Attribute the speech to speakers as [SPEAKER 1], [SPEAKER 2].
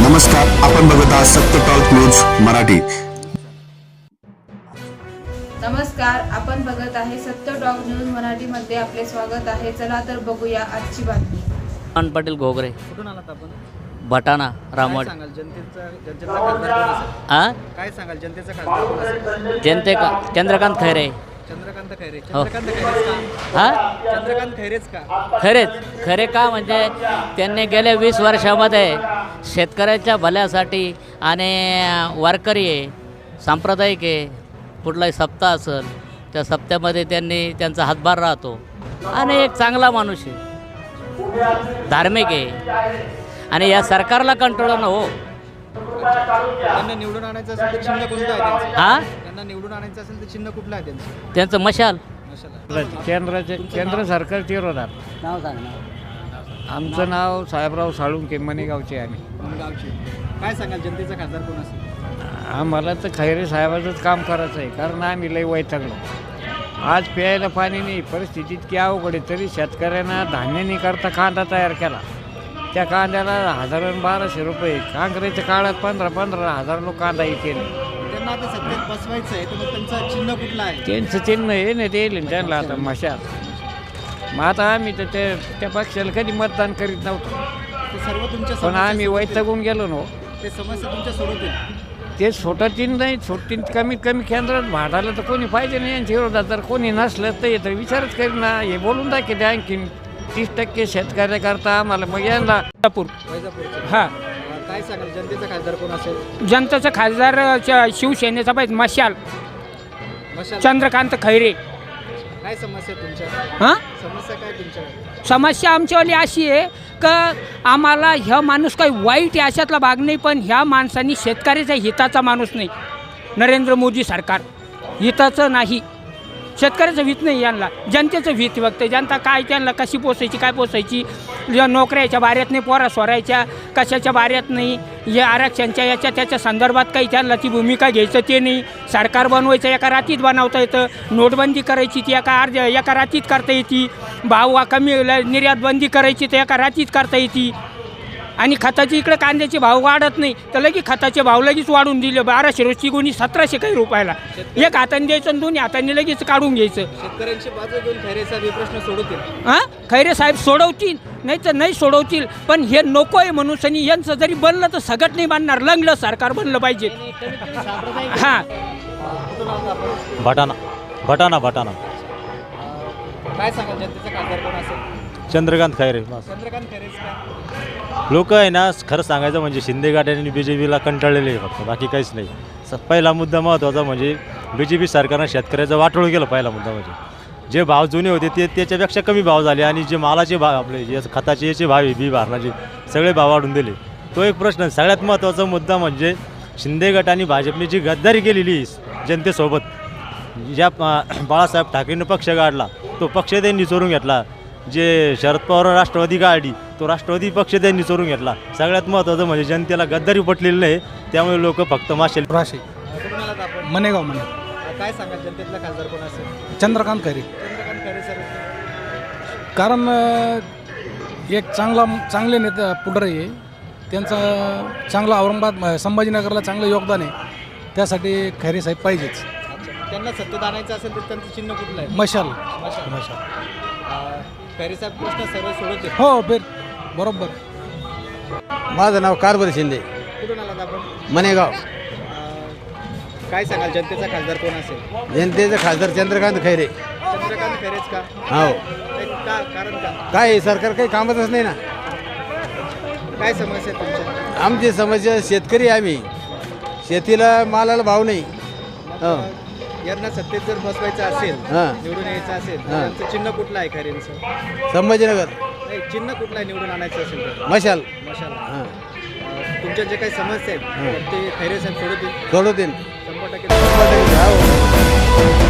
[SPEAKER 1] नमस्कार, आपण बघत आहात सत्य टॉक न्यूज मराठी।
[SPEAKER 2] नमस्कार, आपण बघत आहे सत्य टॉक न्यूज मराठी मध्ये आपले स्वागत आहे। चला तर बघूया आजची बातमी।
[SPEAKER 3] पाटील घोगरे
[SPEAKER 4] कुठून आलात आपण?
[SPEAKER 3] भटाणा रामवाडी।
[SPEAKER 4] काय सांगाल जनतेचा खासदार कोण असेल?
[SPEAKER 3] आ
[SPEAKER 4] काय सांगाल जनतेचा खासदार कोण असेल?
[SPEAKER 3] जनते का चंद्रकांत खैरे।
[SPEAKER 4] चंद्रकांत खैरे।
[SPEAKER 3] हो.
[SPEAKER 4] चंद्रकांत खैरेच का?
[SPEAKER 3] हा
[SPEAKER 4] चंद्रकांत खैरेच का?
[SPEAKER 3] खरे का म्हणजे त्यांनी गेल्या 20 वर्षामध्ये शेतकऱ्यांच्या भल्यासाठी आणि वारकरी आहे, सांप्रदायिक आहे, कुठलाही सप्ताह असेल त्या सप्त्यामध्ये त्यांनी त्यांचा हातभार राहतो आणि एक चांगला माणूस आहे, धार्मिक आहे आणि या सरकारला कंट्रोल हो।
[SPEAKER 4] त्यांना निवडून आणायचं असेल तर चिन्ह कोणतं आहे त्यांचं?
[SPEAKER 3] हा
[SPEAKER 4] त्यांना निवडून आणायचं असेल तर चिन्ह कुठलं आहे त्यांचं?
[SPEAKER 3] त्यांचं मशाल।
[SPEAKER 4] मशाला।
[SPEAKER 5] केंद्र सरकारच्या विरोधात
[SPEAKER 3] नाव सांग ना।
[SPEAKER 5] आमचं नाव साहेबराव साळुंके, मणेगावचे आम्ही।
[SPEAKER 4] गावची काय सांगाल जनतेचा खासदार कोण असेल?
[SPEAKER 5] आम्हाला तर खैरे साहेबाचंच काम करायचं आहे, कारण आम्ही लई वैतागलो। आज प्यायला पाणी नाही, परिस्थिती इतकी अवघड आहे, तरी शेतकऱ्यांना धान्य नाही करता कांदा तयार केला। त्या कांद्याला 1000-1200 रुपये, काँग्रेसच्या काळात 15,000 लोक कांदा केले।
[SPEAKER 4] त्यांना आता सत्तेत बसवायचं आहे तर मग त्यांचं चिन्ह कुठलं आहे?
[SPEAKER 5] त्यांचं चिन्ह हे नाही देईल त्यांना आता मशाल। मग आता आम्ही तर त्या पक्षाला कधी मतदान करीत नव्हतो,
[SPEAKER 4] ते सर्व तुमच्या
[SPEAKER 5] पण आम्ही
[SPEAKER 4] समस्या
[SPEAKER 5] वैतागून गेलो ना।
[SPEAKER 4] ते समस्या तुमच्या सोडवतील?
[SPEAKER 5] ते सोडतील नाही, सोडतील कमीत कमी केंद्रात भाडाला तर कोणी पाहिजे नाही यांच्या विरोधात। जर कोणी नसलं तर येतं विचारच करीन ना, हे बोलून दाखवते आणखीन 30% शेतकऱ्याकरता आम्हाला मग यांना
[SPEAKER 4] वैजापूरचे।
[SPEAKER 6] हां,
[SPEAKER 4] काय सांगाल जनतेचा खासदार कोण असेल?
[SPEAKER 6] जनतेचा खासदार शिवसेनेचा पाहिजे मशाल,
[SPEAKER 4] मशाल।
[SPEAKER 6] चंद्रकांत खैरे।
[SPEAKER 4] काय समस्या आहे तुमच्या?
[SPEAKER 6] हां,
[SPEAKER 4] समस्या काय तुमच्या?
[SPEAKER 6] समस्या आमच्यावाली अशी आहे का आम्हाला ह्या माणूस काही वाईट आहे अशातला भाग नाही, पण ह्या माणसांनी शेतकऱ्याच्या हिताचा माणूस नाही। नरेंद्र मोदी सरकार हिताचं नाही, शेतकऱ्याचं हित नाही, यांना जनतेचं हित बघते। जनता काय त्यांना कशी पोसायची, काय पोसायची, नोकऱ्याच्या बाऱ्यात नाही, पोरा सोरायच्या कशाच्या बाऱ्यात नाही, या आरक्षणच्या याच्या त्याच्या संदर्भात काही त्यांना ती भूमिका घ्यायचं ते नाही। सरकार बनवायचं एका रात्रीत बनवता येतं, नोटबंदी करायची ती एका रात्रीत करता येते, भाव कमी निर्यात बंदी करायची तर एका रात्रीत करता येते, आणि खताची इकडे कांद्याचे भाव वाढत नाही तर लगेच खताचे भाव लगेच वाढून दिले। 1200 रोजची गुणी 1700 काही रुपयाला, एक हाताने द्यायचं आणि दोन्ही हाताने लगेच काढून घ्यायचं।
[SPEAKER 4] शेतकऱ्यांची बाजू घेऊन खैरे साहेब हे प्रश्न सोडवतील?
[SPEAKER 6] हां, खैरे साहेब सोडवतील नाही तर नाही सोडवतील, पण हे नको आहे म्हणून आणि यांचं जरी बनलं तर सगळं नाही बांधणार, लंगलं सरकार बनलं पाहिजे। हां,
[SPEAKER 7] भटाणा
[SPEAKER 4] काय सांगाल जनतेचा खासदार कोण असेल?
[SPEAKER 7] चंद्रकांत खैरे।
[SPEAKER 4] चंद्रकांत खैरेच का?
[SPEAKER 7] लोक आहे ना, खरं सांगायचं म्हणजे शिंदे गटाने BJPला कंटाळलेले आहे फक्त, बाकी काहीच नाही। पहिला मुद्दा महत्त्वाचा म्हणजे BJP सरकारनं शेतकऱ्याचं वाटोळ केलं। पहिला मुद्दा म्हणजे जे भाव जुने होते ते त्याच्यापेक्षा कमी भाव झाले, आणि जे मालाचे भाव आपले जे खताचे याचे भाव आहे, बी भारणाचे सगळे भाव वाढून दिले। तो एक प्रश्न। सगळ्यात महत्त्वाचा मुद्दा म्हणजे शिंदे गटाने भाजपने जी गद्दारी केलेली जनतेसोबत, ज्या बाळासाहेब ठाकरेंनी पक्ष काढला तो पक्ष त्यांनी चोरून घेतला, जे शरद पवार राष्ट्रवादी काढली तो राष्ट्रवादी पक्ष त्यांनी चोरून घेतला। सगळ्यात महत्त्वाचं म्हणजे जनतेला गद्दारी पटलेली नाही, त्यामुळे लोक फक्त माशेल।
[SPEAKER 4] कुठून आलात आपण?
[SPEAKER 8] मणेगाव म्हणे।
[SPEAKER 4] काय सांगाल जनतेतला खासदार कोण असेल?
[SPEAKER 8] चंद्रकांत खैरे,
[SPEAKER 4] चंद्रकांत खैरे सर।
[SPEAKER 8] कारण एक चांगले नेता पुढारी आहे, त्यांचं चांगलं औरंगाबाद संभाजीनगरला चांगलं योगदान आहे, त्यासाठी खैरे साहेब पाहिजेच।
[SPEAKER 4] अच्छा, त्यांना सत्तेत आणायचं असेल तर त्यांचं चिन्ह कुठलं आहे?
[SPEAKER 8] मशाल।
[SPEAKER 4] मशाल। खैरे साहेब प्रश्न सर्व सोडवतील?
[SPEAKER 8] हो, बरोबर।
[SPEAKER 9] माझं नाव कारभारी शिंदे,
[SPEAKER 4] कुठून आलात आपण?
[SPEAKER 9] मणेगाव।
[SPEAKER 4] काय सांगाल जनतेचा खासदार कोण असेल?
[SPEAKER 9] जनतेचे खासदार चंद्रकांत खैरे।
[SPEAKER 4] चंद्रकांत खैरेच का?
[SPEAKER 9] हो।
[SPEAKER 4] कारण का?
[SPEAKER 9] काय सरकार काही कामतच नाही ना।
[SPEAKER 4] काय समस्या आहे तुमच्या?
[SPEAKER 9] आमची समस्या शेतकरी आम्ही, शेतीला मालाला भाव नाही। हो।
[SPEAKER 4] यांना सत्तेत जर बसवायचं असेल,
[SPEAKER 9] हां,
[SPEAKER 4] निवडून यायचं असेल तर
[SPEAKER 9] हां,
[SPEAKER 4] त्यांचं चिन्ह कुठलं आहे खैरेंचं?
[SPEAKER 9] संभाजीनगर।
[SPEAKER 4] नाही, चिन्ह कुठलं आहे निवडून आणायचं असेल तर?
[SPEAKER 9] मशाल।
[SPEAKER 4] मशाल।
[SPEAKER 9] हां,
[SPEAKER 4] तुमच्या जे काही समस्या आहेत ते खैरे साहेब सोडवतील?
[SPEAKER 9] सोडवतील
[SPEAKER 4] 100%?
[SPEAKER 9] हो।